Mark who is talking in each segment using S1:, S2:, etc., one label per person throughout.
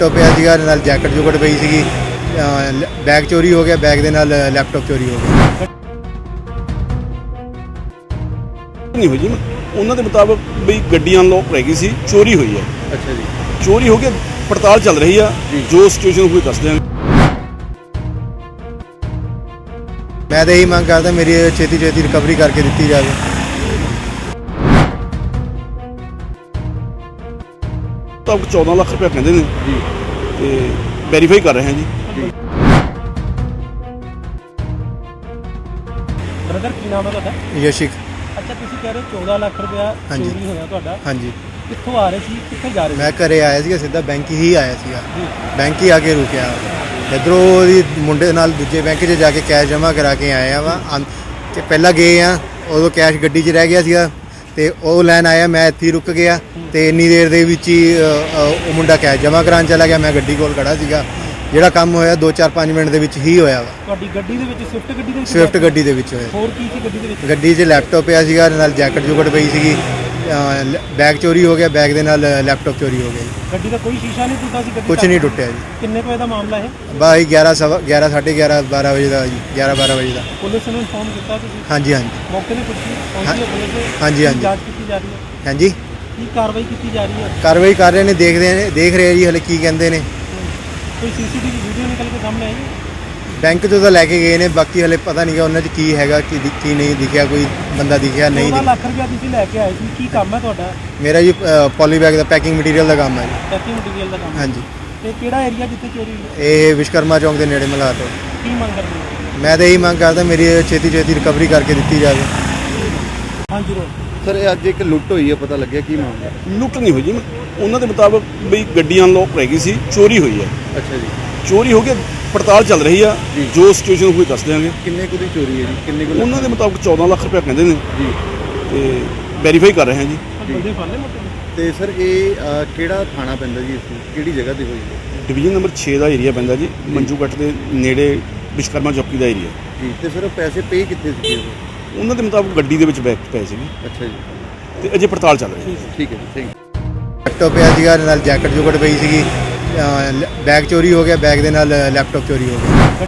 S1: Laptop ਪਿਆ ਸੀਗਾ, ਨਾਲ ਜੈਕਟ ਜੁਕਟ ਪਈ ਸੀਗੀ। ਬੈਗ ਚੋਰੀ ਹੋ ਗਿਆ, ਬੈਗ ਦੇ ਨਾਲ ਲੈਪਟਾਪ ਚੋਰੀ ਹੋ ਗਿਆ।
S2: ਨਹੀਂ ਹੋਈ ਜੀ, ਉਹਨਾਂ ਦੇ ਮੁਤਾਬਕ ਵੀ ਗੱਡੀ ਅਨਲੌਕ ਰਹਿ ਗਈ ਸੀ, ਚੋਰੀ ਹੋਈ ਹੈ।
S1: ਅੱਛਾ ਜੀ।
S2: ਚੋਰੀ ਹੋ ਕੇ ਪੜਤਾਲ ਚੱਲ ਰਹੀ ਆ, ਜੋ ਸਿਚੁਏਸ਼ਨ ਹੋਈ ਦੱਸ ਦਿਆਂਗੇ।
S1: ਮੈਂ ਤਾਂ ਇਹੀ ਮੰਗ ਕਰਦਾ ਮੇਰੀ ਛੇਤੀ ਰਿਕਵਰੀ ਕਰਕੇ ਦਿੱਤੀ ਜਾਵੇ।
S2: ਤਾਂ 14 ਲੱਖ ਰੁਪਏ ਕਹਿੰਦੇ ਨੇ ਜੀ, ਤੇ ਵੈਰੀਫਾਈ ਕਰ ਰਹੇ ਹਾਂ ਜੀ।
S3: ਬ੍ਰਦਰ ਕੀ ਨਾਮ ਹੈ ਤੁਹਾਡਾ?
S1: ਯਸ਼ਿਕ।
S3: ਅੱਛਾ, ਤੁਸੀਂ ਕਹਿ ਰਹੇ 14 ਲੱਖ ਰੁਪਇਆ
S1: ਹਾਂਜੀ।
S3: ਚੋਰੀ ਹੋਇਆ ਤੁਹਾਡਾ।
S1: ਹਾਂਜੀ,
S3: ਕਿੱਥੋਂ ਆ ਰਹੇ ਸੀ, ਕਿੱਥੇ ਜਾ ਰਹੇ ਸੀ?
S1: ਮੈਂ ਘਰੇ ਆਇਆ ਸੀਗਾ, ਸਿੱਧਾ ਬੈਂਕ ਹੀ ਆਇਆ ਸੀਗਾ।
S3: ਜੀ।
S1: ਬੈਂਕ ਹੀ ਆ ਕੇ ਰੁਕਿਆ। ਇੱਧਰੋਂ ਉਹਦੀ ਮੁੰਡੇ ਨਾਲ ਦੂਜੇ ਬੈਂਕ 'ਚ ਜਾ ਕੇ ਕੈਸ਼ ਜਮ੍ਹਾਂ ਕਰਾ ਕੇ ਆਏ ਆ ਵਾ। ਕਿ ਪਹਿਲਾਂ ਗਏ ਆ, ਉਦੋਂ ਕੈਸ਼ ਗੱਡੀ 'ਚ ਰਹਿ ਗਿਆ ਸੀਗਾ ਤੇ ਉਹ ਲੈਣ ਆਇਆ, ਮੈਂ ਇੱਥੇ ਹੀ ਰੁਕ ਗਿਆ ਤੇ ਇੰਨੀ ਦੇਰ ਦੇ ਵਿੱਚ ਹੀ ਉਹ ਮੁੰਡਾ ਕੈਸ਼ ਜਮ੍ਹਾਂ ਕਰਾਉਣ ਚਲਾ ਗਿਆ। ਮੈਂ ਗੱਡੀ ਕੋਲ ਖੜਾ ਸੀਗਾ। ਜਿਹੜਾ ਕੰਮ ਹੋਇਆ 2-4-5 ਮਿੰਟ ਦੇ ਵਿੱਚ ਹੀ ਹੋਇਆ ਵਾ।
S3: ਤੁਹਾਡੀ ਗੱਡੀ ਦੇ ਵਿੱਚ ਸਵਿਫਟ ਗੱਡੀ ਦੇ ਵਿੱਚ?
S1: ਸਵਿਫਟ ਗੱਡੀ ਦੇ ਵਿੱਚ ਹੋਇਆ।
S3: ਹੋਰ ਕੀ ਸੀ ਗੱਡੀ ਦੇ ਵਿੱਚ?
S1: ਗੱਡੀ 'ਚ ਲੈਪਟਾਪ ਪਿਆ ਸੀਗਾ, ਨਾਲ ਜੈਕਟ ਜੁਕਟ ਪਈ ਸੀਗੀ। ਬੈਗ ਚੋਰੀ ਹੋ ਗਿਆ, ਬੈਗ ਦੇ ਨਾਲ ਲੈਪਟਾਪ ਚੋਰੀ ਹੋ ਗਿਆ ਜੀ।
S3: ਗੱਡੀ ਦਾ ਕੋਈ ਸ਼ੀਸ਼ਾ ਨਹੀਂ ਟੁੱਟਾ ਸੀ? ਗੱਡੀ
S1: ਕੁਝ ਨਹੀਂ ਟੁੱਟਿਆ ਜੀ।
S3: ਕਿੰਨੇ ਕੁ ਵਜੇ ਦਾ ਮਾਮਲਾ ਹੈ?
S1: ਬਾਈ 11 ਸਾਢੇ 11 12 ਵਜੇ ਦਾ ਜੀ, 11-12 ਵਜੇ ਦਾ।
S3: ਪੁਲਿਸ ਨੂੰ ਇਨਫੋਰਮ ਕੀਤਾ ਤੁਸੀਂ?
S1: ਹਾਂਜੀ ਹਾਂਜੀ
S3: ਮੌਕੇ ਤੇ ਪਹੁੰਚੀ ਹੈ ਪੁਲਿਸ?
S1: ਹਾਂਜੀ, ਹਾਂਜੀ।
S3: ਜਾਂਚ ਕੀਤੀ ਜਾ ਰਹੀ ਹੈ?
S1: ਹਾਂਜੀ,
S3: ਕੀ ਕਾਰਵਾਈ ਕੀਤੀ ਜਾ ਰਹੀ ਹੈ?
S1: ਕਾਰਵਾਈ ਕਰ ਰਹੇ ਨੇ, ਦੇਖ ਰਹੇ ਜੀ ਹਲੇ ਕੀ ਕਹਿੰਦੇ ਨੇ।
S3: ਕੋਈ ਸੀਸੀਟੀਵੀ ਵੀਡੀਓ ਨਿਕਲ ਕੇ ਸਾਹਮਣੇ ਆਈ?
S1: ਬੈਂਕ ਤੋਂ ਤਾਂ ਲੈ ਕੇ ਗਏ ਨੇ, ਬਾਕੀ ਹਲੇ ਪਤਾ ਨਹੀਂ ਕਿ ਉਹਨਾਂ 'ਚ ਕੀ ਹੈਗਾ, ਕੀ ਨਹੀਂ ਦਿਖਿਆ, ਕੋਈ ਬੰਦਾ ਦਿਖਿਆ ਨਹੀਂ
S3: 14
S1: ਦਿਖਿਆ।
S3: ਲੱਖ ਰੁਪਇਆ ਤੁਸੀਂ ਲੈ ਕੇ ਆਏ ਸੀ, ਕੀ ਕੰਮ ਹੈ ਤੁਹਾਡਾ?
S1: ਮੇਰਾ ਜੀ ਪੋਲੀ ਬੈਗ ਦਾ ਪੈਕਿੰਗ ਮਟੀਰੀਅਲ ਦਾ ਕੰਮ ਹੈ ਜੀ।
S3: ਪੈਕਿੰਗ ਮਟੀਰੀਅਲ ਦਾ ਕੰਮ?
S1: ਹਾਂਜੀ।
S3: ਤੇ ਕਿਹੜਾ ਏਰੀਆ ਜਿੱਥੇ ਚੋਰੀ ਹੋਈ?
S1: ਇਹ ਵਿਸ਼ਕਰਮਾ ਚੌਂਕ ਦੇ ਨੇੜੇ ਮਲਾਟ ਹੈ।
S3: ਕੀ ਮੰਗ ਕਰਦੇ ਹੋ?
S1: ਮੈਂ ਤਾਂ ਇਹੀ ਮੰਗ ਕਰਦਾ ਮੇਰੀ ਛੇਤੀ ਰਿਕਵਰੀ ਕਰਕੇ ਦਿੱਤੀ ਜਾਵੇ।
S3: ਹਾਂਜੀ ਰੋ
S4: ਸਰ, ਇਹ ਅੱਜ ਇੱਕ ਲੁੱਟ ਹੋਈ ਹੈ, ਪਤਾ ਲੱਗਿਆ ਕੀ ਮਾਮਲਾ?
S2: ਲੁੱਟ ਨਹੀਂ ਹੋਈ ਜੀ, ਉਹਨਾਂ ਦੇ ਮੁਤਾਬਕ ਵੀ ਗੱਡੀ ਅਨਲੌਕ ਰਹਿ ਗਈ ਸੀ, ਚੋਰੀ ਹੋਈ ਹੈ।
S4: ਅੱਛਾ ਜੀ।
S2: ਚੋਰੀ ਹੋ ਕੇ ਪੜਤਾਲ ਚੱਲ ਰਹੀ ਆ, ਜੋ ਸਿਚੁਏਸ਼ਨ ਹੋਈ ਦੱਸ ਦਿਆਂਗੇ।
S4: ਕਿੰਨੇ ਕੁ ਦੀ ਚੋਰੀ ਹੈ ਜੀ? ਕਿੰਨੇ ਕੁ?
S2: ਉਹਨਾਂ ਦੇ ਮੁਤਾਬਕ 14 ਲੱਖ ਰੁਪਏ ਕਹਿੰਦੇ ਨੇ
S4: ਜੀ।
S2: ਤੇ ਵੈਰੀਫਾਈ ਕਰ ਰਹੇ ਹਾਂ ਜੀ।
S3: ਬੰਦੇ ਫੜ ਲਏ ਮੌਕੇ ਤੇ?
S4: ਤੇ ਸਰ ਇਹ ਕਿਹੜਾ ਥਾਣਾ ਪੈਂਦਾ ਜੀ, ਇਸ ਕਿਹੜੀ ਜਗ੍ਹਾ ਤੇ ਹੋਈ ਹੈ?
S2: ਡਿਵੀਜ਼ਨ ਨੰਬਰ 6 ਦਾ ਏਰੀਆ ਪੈਂਦਾ ਜੀ, ਮੰਜੂਗੱਟ ਦੇ ਨੇੜੇ ਵਿਸ਼ਕਰਮਾ ਚੌਕੀ ਦਾ ਏਰੀਆ।
S4: ਜੀ। ਤੇ ਸਰ ਪੈਸੇ ਪੇ ਕਿੱਥੇ ਸੀਗੇ ਉਹ?
S2: ਉਹਨਾਂ ਦੇ ਮੁਤਾਬਕ ਗੱਡੀ ਦੇ ਵਿੱਚ ਬੈਗ ਪਏ ਸੀਗੇ
S4: ਅੱਛਾ ਜੀ।
S2: ਤੇ ਅਜੇ ਪੜਤਾਲ ਚੱਲ ਰਹੀ ਹੈ।
S4: ਠੀਕ ਹੈ ਜੀ, ਥੈਂਕ ਯੂ।
S1: ਲੈਪਟਾਪ ਪਿਆ ਸੀਗਾ, ਨਾਲ ਜੈਕਟ ਜੁਕਟ ਪਈ ਸੀਗੀ। ਬੈਗ ਚੋਰੀ ਹੋ ਗਿਆ, ਬੈਗ ਦੇ ਨਾਲ ਲੈਪਟਾਪ ਚੋਰੀ ਹੋ ਗਿਆ।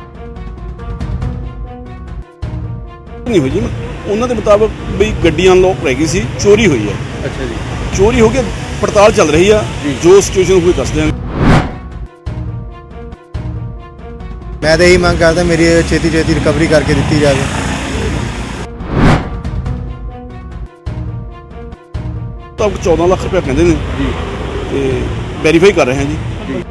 S2: ਨਹੀਂ ਹੋਈ ਜੀ, ਉਹਨਾਂ ਦੇ ਮੁਤਾਬਕ ਵੀ ਗੱਡੀ ਅਨਲੌਕ ਰਹਿ ਗਈ ਸੀ, ਚੋਰੀ ਹੋਈ ਹੈ।
S4: ਅੱਛਾ ਜੀ।
S2: ਚੋਰੀ ਹੋ ਕੇ ਪੜਤਾਲ ਚੱਲ ਰਹੀ ਆ, ਜੋ ਸਿਚੁਏਸ਼ਨ ਹੋਈ ਦੱਸ ਦਿਆਂਗੇ।
S1: ਮੈਂ ਤਾਂ ਇਹੀ ਮੰਗ ਕਰਦਾ ਮੇਰੀ ਛੇਤੀ ਰਿਕਵਰੀ ਕਰਕੇ ਦਿੱਤੀ ਜਾਵੇ।
S2: ਤਾਂ 14 ਲੱਖ ਰੁਪਏ ਕਹਿੰਦੇ ਨੇ
S4: ਜੀ।
S2: ਤੇ ਵੈਰੀਫਾਈ ਕਰ ਰਹੇ ਹਾਂ ਜੀ।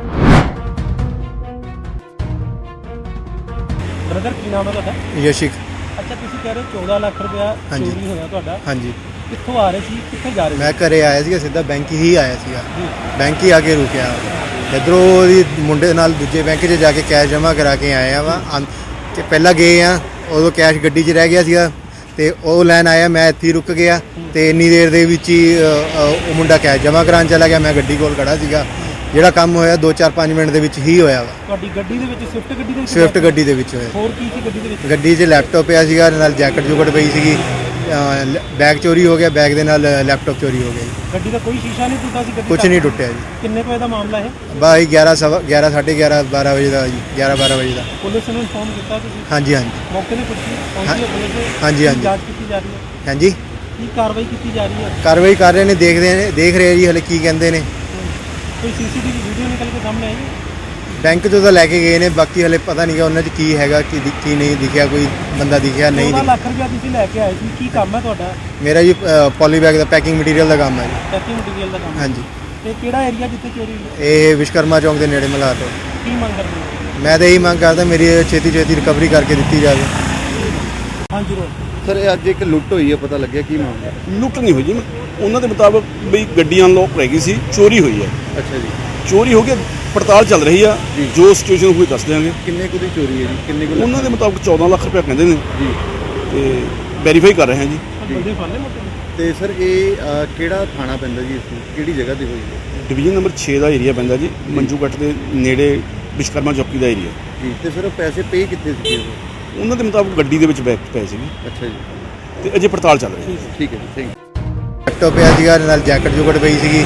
S3: ਬ੍ਰਦਰ ਕੀ ਨਾਮ ਹੈ ਤੁਹਾਡਾ?
S1: ਯਸ਼ਿਕ।
S3: ਅੱਛਾ, ਤੁਸੀਂ ਕਹਿ ਰਹੇ 14 ਲੱਖ ਰੁਪਇਆ
S1: ਹਾਂਜੀ।
S3: ਚੋਰੀ ਹੋਇਆ ਤੁਹਾਡਾ।
S1: ਹਾਂਜੀ,
S3: ਕਿੱਥੋਂ ਆ ਰਹੇ ਸੀ, ਕਿੱਥੇ ਜਾ ਰਹੇ ਸੀ?
S1: ਮੈਂ ਘਰੇ ਆਇਆ ਸੀਗਾ, ਸਿੱਧਾ ਬੈਂਕ ਹੀ ਆਇਆ ਸੀਗਾ।
S3: ਜੀ।
S1: ਬੈਂਕ ਹੀ ਆ ਕੇ ਰੁਕਿਆ। ਇੱਧਰੋਂ ਉਹਦੀ ਮੁੰਡੇ ਨਾਲ ਦੂਜੇ ਬੈਂਕ 'ਚ ਜਾ ਕੇ ਕੈਸ਼ ਜਮ੍ਹਾਂ ਕਰਾ ਕੇ ਆਏ ਆ ਵਾ। ਕਿ ਪਹਿਲਾਂ ਗਏ ਆ, ਉਦੋਂ ਕੈਸ਼ ਗੱਡੀ 'ਚ ਰਹਿ ਗਿਆ ਸੀਗਾ ਤੇ ਉਹ ਲੈਣ ਆਇਆ, ਮੈਂ ਇੱਥੇ ਹੀ ਰੁਕ ਗਿਆ ਤੇ ਇੰਨੀ ਦੇਰ ਦੇ ਵਿੱਚ ਹੀ ਉਹ ਮੁੰਡਾ ਕੈਸ਼ ਜਮ੍ਹਾਂ ਕਰਾਉਣ ਚਲਾ ਗਿਆ। ਮੈਂ ਗੱਡੀ ਕੋਲ ਖੜਾ ਸੀਗਾ। ਜਿਹੜਾ ਕੰਮ ਹੋਇਆ 2-4-5 ਮਿੰਟ ਦੇ ਵਿੱਚ ਹੀ ਹੋਇਆ ਵਾ।
S3: ਤੁਹਾਡੀ ਗੱਡੀ ਦੇ ਵਿੱਚ ਸਵਿਫਟ ਗੱਡੀ ਦੇ ਵਿੱਚ?
S1: ਸਵਿਫਟ ਗੱਡੀ ਦੇ ਵਿੱਚ ਹੋਇਆ।
S3: ਹੋਰ ਕੀ ਸੀ ਗੱਡੀ ਦੇ ਵਿੱਚ?
S1: ਗੱਡੀ 'ਚ ਲੈਪਟਾਪ ਪਿਆ ਸੀਗਾ, ਨਾਲ ਜੈਕਟ ਜੁਕਟ ਪਈ ਸੀਗੀ। ਬੈਗ ਚੋਰੀ ਹੋ ਗਿਆ, ਬੈਗ ਦੇ ਨਾਲ ਲੈਪਟਾਪ ਚੋਰੀ ਹੋ ਗਿਆ ਜੀ।
S3: ਗੱਡੀ ਦਾ ਕੋਈ ਸ਼ੀਸ਼ਾ ਨਹੀਂ ਟੁੱਟਾ ਸੀ? ਗੱਡੀ
S1: ਕੁਝ ਨਹੀਂ ਟੁੱਟਿਆ ਜੀ।
S3: ਕਿੰਨੇ ਕੁ ਵਜੇ ਦਾ ਮਾਮਲਾ ਹੈ?
S1: ਬਾਈ 11 ਸਾਢੇ 11 12 ਵਜੇ ਦਾ ਜੀ, 11-12 ਵਜੇ ਦਾ।
S3: ਪੁਲਿਸ ਨੂੰ ਇਨਫੋਰਮ ਕੀਤਾ ਤੁਸੀਂ?
S1: ਹਾਂਜੀ ਹਾਂਜੀ।
S3: ਮੌਕੇ ਤੇ ਪਹੁੰਚੀ ਹੈ ਪੁਲਿਸ?
S1: ਹਾਂਜੀ, ਹਾਂਜੀ।
S3: ਜਾਂਚ ਕੀਤੀ ਜਾ ਰਹੀ ਹੈ?
S1: ਹਾਂਜੀ,
S3: ਕੀ ਕਾਰਵਾਈ ਕੀਤੀ ਜਾ ਰਹੀ ਹੈ?
S1: ਕਾਰਵਾਈ ਕਰ ਰਹੇ ਨੇ, ਦੇਖ ਰਹੇ ਜੀ ਹਲੇ ਕੀ ਕਹਿੰਦੇ ਨੇ।
S3: ਕੋਈ ਸੀਸੀਟੀਵੀ ਵੀਡੀਓ ਨਿਕਲ ਕੇ ਸਾਹਮਣੇ ਆਈ?
S1: ਬੈਂਕ ਤੋਂ ਤਾਂ ਲੈ ਕੇ ਗਏ ਨੇ, ਬਾਕੀ ਹਲੇ ਪਤਾ ਨਹੀਂ ਕਿ ਉਹਨਾਂ 'ਚ ਕੀ ਹੈਗਾ, ਕੀ ਨਹੀਂ ਦਿਖਿਆ, ਕੋਈ ਬੰਦਾ ਦਿਖਿਆ ਨਹੀਂ
S3: 14
S1: ਦਿਖਿਆ।
S3: ਲੱਖ ਰੁਪਇਆ ਤੁਸੀਂ ਲੈ ਕੇ ਆਏ ਸੀ, ਕੀ ਕੰਮ ਹੈ ਤੁਹਾਡਾ?
S1: ਮੇਰਾ ਜੀ ਪੋਲੀ ਬੈਗ ਦਾ ਪੈਕਿੰਗ ਮਟੀਰੀਅਲ ਦਾ ਕੰਮ ਹੈ ਜੀ।
S3: ਪੈਕਿੰਗ ਮਟੀਰੀਅਲ ਦਾ ਕੰਮ?
S1: ਹਾਂਜੀ।
S3: ਤੇ ਕਿਹੜਾ ਏਰੀਆ ਜਿੱਥੇ ਚੋਰੀ ਹੋਈ?
S1: ਇਹ ਵਿਸ਼ਕਰਮਾ ਚੌਂਕ ਦੇ ਨੇੜੇ ਮਲਾਟ ਹੈ।
S3: ਕੀ ਮੰਗ ਕਰਦੇ ਹੋ?
S1: ਮੈਂ ਤਾਂ ਇਹੀ ਮੰਗ ਕਰਦਾ ਮੇਰੀ ਛੇਤੀ ਰਿਕਵਰੀ ਕਰਕੇ ਦਿੱਤੀ ਜਾਵੇ।
S3: ਹਾਂਜੀ ਰੋ
S4: ਸਰ, ਇਹ ਅੱਜ ਇੱਕ ਲੁੱਟ ਹੋਈ ਹੈ, ਪਤਾ ਲੱਗਿਆ ਕੀ ਮਾਮਲਾ?
S2: ਲੁੱਟ ਨਹੀਂ ਹੋਈ ਜੀ, ਉਹਨਾਂ ਦੇ ਮੁਤਾਬਕ ਵੀ ਗੱਡੀ ਅਨਲੌਕ ਰਹਿ ਗਈ ਸੀ, ਚੋਰੀ ਹੋਈ ਹੈ।
S4: ਅੱਛਾ ਜੀ।
S2: ਚੋਰੀ ਹੋ ਕੇ ਪੜਤਾਲ ਚੱਲ ਰਹੀ ਆ, ਜੋ ਸਿਚੁਏਸ਼ਨ ਹੋਈ ਦੱਸ ਦਿਆਂਗੇ।
S4: ਕਿੰਨੇ ਕੁ ਦੀ ਚੋਰੀ ਹੈ ਜੀ? ਕਿੰਨੇ ਕੁ?
S2: ਉਹਨਾਂ ਦੇ ਮੁਤਾਬਕ 14 ਲੱਖ ਰੁਪਏ ਕਹਿੰਦੇ ਨੇ
S4: ਜੀ।
S2: ਤੇ ਵੈਰੀਫਾਈ ਕਰ ਰਹੇ ਹਾਂ ਜੀ।
S3: ਬੰਦੇ ਫੜ ਲਏ ਮੌਕੇ ਤੇ?
S4: ਤੇ ਸਰ ਇਹ ਕਿਹੜਾ ਥਾਣਾ ਪੈਂਦਾ ਜੀ, ਇਸ ਕਿਹੜੀ ਜਗ੍ਹਾ ਤੇ ਹੋਈ ਹੈ?
S2: ਡਿਵੀਜ਼ਨ ਨੰਬਰ 6 ਦਾ ਏਰੀਆ ਪੈਂਦਾ ਜੀ, ਮੰਜੂਗੱਟ ਦੇ ਨੇੜੇ ਵਿਸ਼ਕਰਮਾ ਚੌਕੀ ਦਾ ਏਰੀਆ।
S4: ਜੀ। ਤੇ ਸਰ ਪੈਸੇ ਪੇ ਕਿੱਥੇ ਸੀਗੇ ਉਹ?
S2: ਉਹਨਾਂ ਦੇ ਮੁਤਾਬਕ ਗੱਡੀ ਦੇ ਵਿੱਚ ਬੈਗ ਪਏ ਸੀਗੇ
S4: ਅੱਛਾ ਜੀ।
S2: ਤੇ ਅਜੇ ਪੜਤਾਲ ਚੱਲ ਰਹੀ ਹੈ।
S4: ਠੀਕ ਹੈ ਜੀ, ਥੈਂਕ ਯੂ।
S1: ਲੈਪਟਾਪ ਪਿਆ ਸੀਗਾ, ਨਾਲ ਜੈਕਟ ਜੁਕਟ ਪਈ ਸੀਗੀ।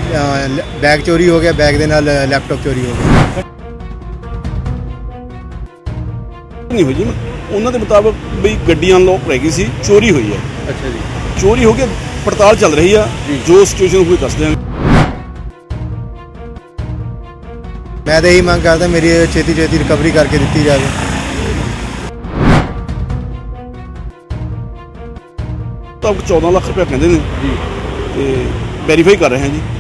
S1: ਬੈਗ ਚੋਰੀ ਹੋ ਗਿਆ, ਬੈਗ ਦੇ ਨਾਲ ਲੈਪਟਾਪ ਚੋਰੀ ਹੋ ਗਿਆ।
S2: ਨਹੀਂ ਹੋਈ ਜੀ, ਉਹਨਾਂ ਦੇ ਮੁਤਾਬਕ ਵੀ ਗੱਡੀ ਅਨਲੌਕ ਰਹਿ ਗਈ ਸੀ, ਚੋਰੀ ਹੋਈ ਹੈ।
S4: ਅੱਛਾ ਜੀ।
S2: ਚੋਰੀ ਹੋ ਕੇ ਪੜਤਾਲ ਚੱਲ ਰਹੀ ਆ, ਜੋ ਸਿਚੁਏਸ਼ਨ ਹੋਈ ਦੱਸ ਦਿਆਂਗੇ।
S1: ਮੈਂ ਤਾਂ ਇਹੀ ਮੰਗ ਕਰਦਾ ਮੇਰੀ ਛੇਤੀ ਰਿਕਵਰੀ ਕਰਕੇ ਦਿੱਤੀ ਜਾਵੇ।
S2: ਤਾਂ 14 ਲੱਖ ਰੁਪਏ ਕਹਿੰਦੇ ਨੇ
S4: ਜੀ
S2: ਤੇ ਵੈਰੀਫਾਈ ਕਰ ਰਹੇ ਹਾਂ ਜੀ।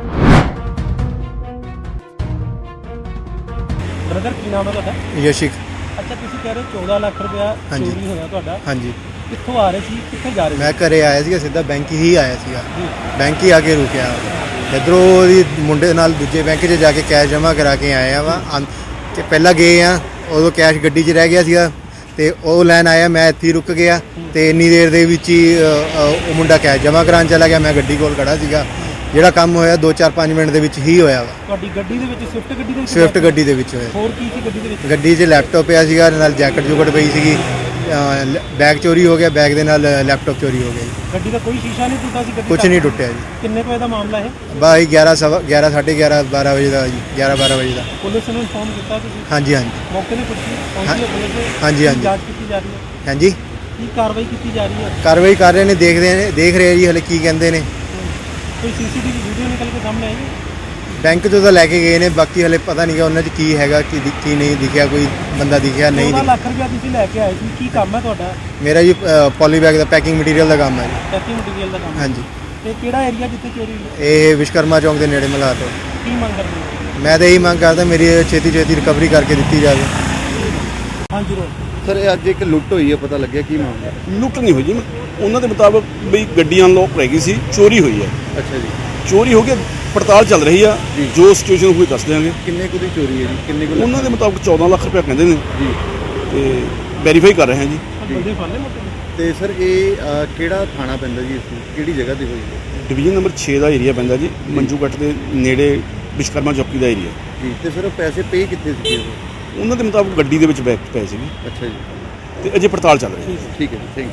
S3: ਬ੍ਰਦਰ ਕੀ ਨਾਮ ਹੈ ਤੁਹਾਡਾ?
S1: ਯਸ਼ਿਕ।
S3: ਅੱਛਾ, ਤੁਸੀਂ ਕਹਿ ਰਹੇ 14 ਲੱਖ ਰੁਪਇਆ
S1: ਹਾਂਜੀ।
S3: ਚੋਰੀ ਹੋਇਆ ਤੁਹਾਡਾ।
S1: ਹਾਂਜੀ,
S3: ਕਿੱਥੋਂ ਆ ਰਹੇ ਸੀ, ਕਿੱਥੇ ਜਾ ਰਹੇ ਸੀ?
S1: ਮੈਂ ਘਰੇ ਆਇਆ ਸੀਗਾ, ਸਿੱਧਾ ਬੈਂਕ ਹੀ ਆਇਆ ਸੀਗਾ।
S3: ਜੀ।
S1: ਬੈਂਕ ਹੀ ਆ ਕੇ ਰੁਕਿਆ। ਇੱਧਰੋਂ ਉਹਦੀ ਮੁੰਡੇ ਨਾਲ ਦੂਜੇ ਬੈਂਕ 'ਚ ਜਾ ਕੇ ਕੈਸ਼ ਜਮ੍ਹਾਂ ਕਰਾ ਕੇ ਆਏ ਆ ਵਾ। ਕਿ ਪਹਿਲਾਂ ਗਏ ਆ, ਉਦੋਂ ਕੈਸ਼ ਗੱਡੀ 'ਚ ਰਹਿ ਗਿਆ ਸੀਗਾ ਤੇ ਉਹ ਲੈਣ ਆਇਆ, ਮੈਂ ਇੱਥੇ ਹੀ ਰੁਕ ਗਿਆ ਤੇ ਇੰਨੀ ਦੇਰ ਦੇ ਵਿੱਚ ਹੀ ਉਹ ਮੁੰਡਾ ਕੈਸ਼ ਜਮ੍ਹਾਂ ਕਰਾਉਣ ਚਲਾ ਗਿਆ। ਮੈਂ ਗੱਡੀ ਕੋਲ ਖੜਾ ਸੀਗਾ। ਜਿਹੜਾ ਕੰਮ ਹੋਇਆ 2-4-5 ਮਿੰਟ ਦੇ ਵਿੱਚ ਹੀ ਹੋਇਆ ਵਾ।
S3: ਤੁਹਾਡੀ ਗੱਡੀ ਦੇ ਵਿੱਚ ਸਵਿਫਟ ਗੱਡੀ ਦੇ ਵਿੱਚ
S1: ਸਵਿਫਟ ਗੱਡੀ ਦੇ ਵਿੱਚ ਹੋਇਆ।
S3: ਹੋਰ ਕੀ ਸੀ ਗੱਡੀ ਦੇ ਵਿੱਚ?
S1: ਗੱਡੀ 'ਚ ਲੈਪਟਾਪ ਪਿਆ ਸੀਗਾ, ਨਾਲ ਜੈਕਟ ਜੁਕਟ ਪਈ ਸੀਗੀ। ਬੈਗ ਚੋਰੀ ਹੋ ਗਿਆ, ਬੈਗ ਦੇ ਨਾਲ ਲੈਪਟਾਪ ਚੋਰੀ ਹੋ ਗਿਆ ਜੀ।
S3: ਗੱਡੀ ਦਾ ਕੋਈ ਸ਼ੀਸ਼ਾ ਨਹੀਂ ਟੁੱਟਾ ਸੀ ਗੱਡੀ
S1: ਕੁਝ
S3: ਦਾ?
S1: ਨਹੀਂ ਟੁੱਟਿਆ ਜੀ।
S3: ਕਿੰਨੇ ਕੁ ਵਜੇ ਦਾ ਮਾਮਲਾ ਇਹ?
S1: ਬਾਈ 11 11:30 12 ਵਜੇ ਦਾ ਜੀ, 11-12 ਵਜੇ ਦਾ।
S3: ਪੁਲਿਸ ਨੂੰ ਇਨਫੋਰਮ ਕੀਤਾ ਤੁਸੀਂ?
S1: ਹਾਂਜੀ ਹਾਂਜੀ
S3: ਮੌਕੇ ਤੇ ਪੁੱਛੀ ਪਹੁੰਚੀ ਹੈ ਪੁਲਿਸ?
S1: ਹਾਂਜੀ,
S3: ਕੀ
S1: ਹਾਂਜੀ।
S3: ਜਾਂਚ ਕੀਤੀ ਜਾ ਰਹੀ ਹੈ?
S1: ਹਾਂਜੀ,
S3: ਕੀ ਕਾਰਵਾਈ ਕੀਤੀ ਜਾ ਰਹੀ ਹੈ?
S1: ਕਾਰਵਾਈ ਕਰ ਰਹੇ ਨੇ, ਦੇਖ ਰਹੇ ਜੀ ਹਲੇ ਕੀ ਕਹਿੰਦੇ ਨੇ।
S3: ਕੋਈ ਸੀਸੀਟੀਵੀ ਵੀਡੀਓ ਨਿਕਲ ਕੇ ਸਾਹਮਣੇ ਆਈ ਹੈ?
S1: ਬੈਂਕ ਤੋਂ ਤਾਂ ਲੈ ਕੇ ਗਏ ਨੇ, ਬਾਕੀ ਹਲੇ ਪਤਾ ਨਹੀਂ ਕਿ ਉਹਨਾਂ 'ਚ ਕੀ ਹੈਗਾ, ਕੀ ਨਹੀਂ ਦਿਖਿਆ, ਕੋਈ ਬੰਦਾ ਦਿਖਿਆ ਨਹੀਂ
S3: 14
S1: ਦਿਖਿਆ।
S3: ਲੱਖ ਰੁਪਇਆ ਤੁਸੀਂ ਲੈ ਕੇ ਆਏ ਸੀ, ਕੀ ਕੰਮ ਹੈ ਤੁਹਾਡਾ?
S1: ਮੇਰਾ ਜੀ ਪੋਲੀ ਬੈਗ ਦਾ ਪੈਕਿੰਗ ਮਟੀਰੀਅਲ ਦਾ ਕੰਮ ਹੈ ਜੀ।
S3: ਪੈਕਿੰਗ ਮਟੀਰੀਅਲ ਦਾ ਕੰਮ?
S1: ਹਾਂਜੀ,
S3: ਤੇ ਕਿਹੜਾ ਏਰੀਆ ਜਿੱਥੇ ਚੋਰੀ ਹੋਈ?
S1: ਇਹ ਵਿਸ਼ਕਰਮਾ ਚੌਂਕ ਦੇ ਨੇੜੇ ਮਲਾਟ ਹੈ।
S3: ਕੀ ਮੰਗ ਕਰਦੇ ਹੋ?
S1: ਮੈਂ ਤਾਂ ਇਹੀ ਮੰਗ ਕਰਦਾ ਮੇਰੀ ਛੇਤੀ ਰਿਕਵਰੀ ਕਰਕੇ ਦਿੱਤੀ ਜਾਵੇ।
S3: ਹਾਂਜੀ ਰੋ
S4: ਸਰ ਇਹ ਅੱਜ ਇੱਕ ਲੁੱਟ ਹੋਈ ਹੈ, ਪਤਾ ਲੱਗਿਆ ਕੀ ਮਾਮਲਾ?
S2: ਲੁੱਟ ਨਹੀਂ ਹੋਈ ਜੀ, ਉਹਨਾਂ ਦੇ ਮੁਤਾਬਕ ਵੀ ਗੱਡੀ ਅਨਲੌਕ ਰਹਿ ਗਈ ਸੀ, ਚੋਰੀ ਹੋਈ ਹੈ।
S4: ਅੱਛਾ ਜੀ।
S2: ਚੋਰੀ ਹੋ ਕੇ ਪੜਤਾਲ ਚੱਲ ਰਹੀ ਆ, ਜੋ ਸਿਚੁਏਸ਼ਨ ਹੋਈ ਦੱਸ ਦਿਆਂਗੇ।
S4: ਕਿੰਨੇ ਕੁ ਦੀ ਚੋਰੀ ਹੈ ਜੀ? ਕਿੰਨੇ ਕੁ
S2: ਉਹਨਾਂ ਦੇ ਮੁਤਾਬਕ 14 ਲੱਖ ਰੁਪਏ ਕਹਿੰਦੇ ਨੇ
S4: ਜੀ
S2: ਤੇ ਵੈਰੀਫਾਈ ਕਰ ਰਹੇ ਹਾਂ ਜੀ।
S3: ਬੰਦੇ ਫੜ ਲਏ ਮੌਕੇ ਤੇ?
S4: ਤੇ ਸਰ ਇਹ ਕਿਹੜਾ ਥਾਣਾ ਪੈਂਦਾ ਜੀ ਇਸ ਨੂੰ? ਕਿਹੜੀ ਜਗ੍ਹਾ ਤੇ ਹੋਈ ਹੈ?
S2: ਡਿਵੀਜ਼ਨ ਨੰਬਰ 6 ਦਾ ਏਰੀਆ ਪੈਂਦਾ ਜੀ, ਮੰਜੂ ਕੱਟ ਦੇ ਨੇੜੇ ਵਿਸ਼ਕਰਮਾ ਚੌਕੀ ਦਾ ਏਰੀਆ।
S4: ਜੀ ਤੇ ਸਰ ਪੈਸੇ ਪੇ ਕਿੱਥੇ ਸੀਗੇ ਉਹ?
S2: ਉਹਨਾਂ ਦੇ ਮੁਤਾਬਕ ਗੱਡੀ ਦੇ ਵਿੱਚ ਬੈਗ ਪਏ ਸੀਗੇ
S4: ਅੱਛਾ ਜੀ,
S2: ਤੇ ਅਜੇ ਪੜਤਾਲ ਚੱਲ ਰਹੀ ਹੈ।
S4: ਠੀਕ ਹੈ ਜੀ, ਥੈਂਕ ਯੂ।